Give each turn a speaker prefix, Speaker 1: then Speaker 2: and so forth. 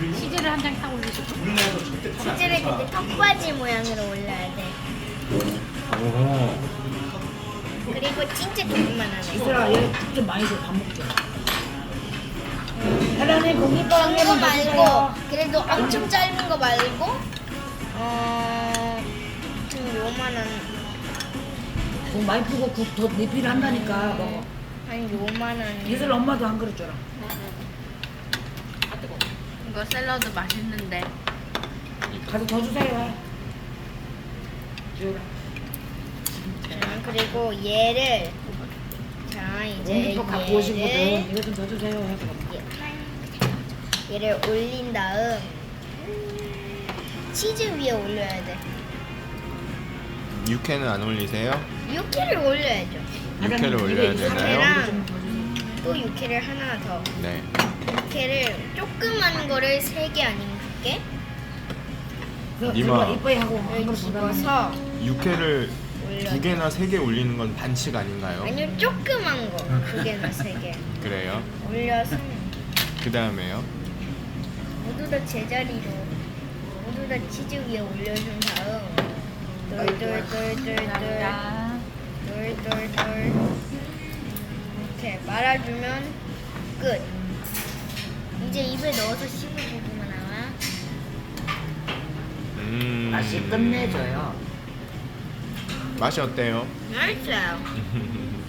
Speaker 1: 치즈를 한 장 딱 올리시고.
Speaker 2: 치즈를 근데 턱받이 모양으로 올려야 돼.
Speaker 3: 오.
Speaker 2: 그리고 진짜 조금만 하네.
Speaker 1: 이슬아, 얘좀 많이 줘. 밥 먹자. 혜란이 공깃밥
Speaker 2: 긴 거
Speaker 1: 한번
Speaker 2: 말고 그래도 엄청 짧은 거 말고 좀 요만한
Speaker 1: 국 많이 푸고 국 더 리필 한다니까 먹어.
Speaker 2: 한 요만한
Speaker 1: 이슬 엄마도 한 그릇 줘라.
Speaker 4: 이거 샐러드 맛있는데.
Speaker 1: 가서 더 주세요. 줘라.
Speaker 2: 그리고 얘를 자 이제
Speaker 1: 공깃밥 갖고 오신 거든
Speaker 2: 얘를
Speaker 1: 이거 좀 더 주세요. 해 그럼.
Speaker 2: 얘를 올린 다음 치즈 위에 올려야 돼.
Speaker 3: 육회는 안 올리세요?
Speaker 2: 육회를 올려야죠.
Speaker 3: 육회를 올려야 되나요?
Speaker 2: 사케랑 또 육회를 하나 더.
Speaker 3: 네.
Speaker 2: 육회를 조그만 거를 3개 아니면 2개
Speaker 3: 니마.
Speaker 1: 이뻐이 하고 한
Speaker 2: 를
Speaker 1: 그릇 더 달라.
Speaker 2: 집어서
Speaker 3: 육회를
Speaker 2: 올려.
Speaker 3: 2개나 3개 올리는 건 반칙 아닌가요?
Speaker 2: 아니요 조그만 거 2개나 3개
Speaker 3: 그래요?
Speaker 2: 올려서
Speaker 3: 그 다음에요?
Speaker 2: 모두 다 제자리로 모두 다 치즈 위에 올려준 다음 돌돌돌돌돌 돌돌돌 이렇게 말아주면 끝. 이제 입에 넣어서 씹어주기만 하면
Speaker 1: 맛이 끝내줘요.
Speaker 3: 맛이 어때요?
Speaker 2: 맛있어요.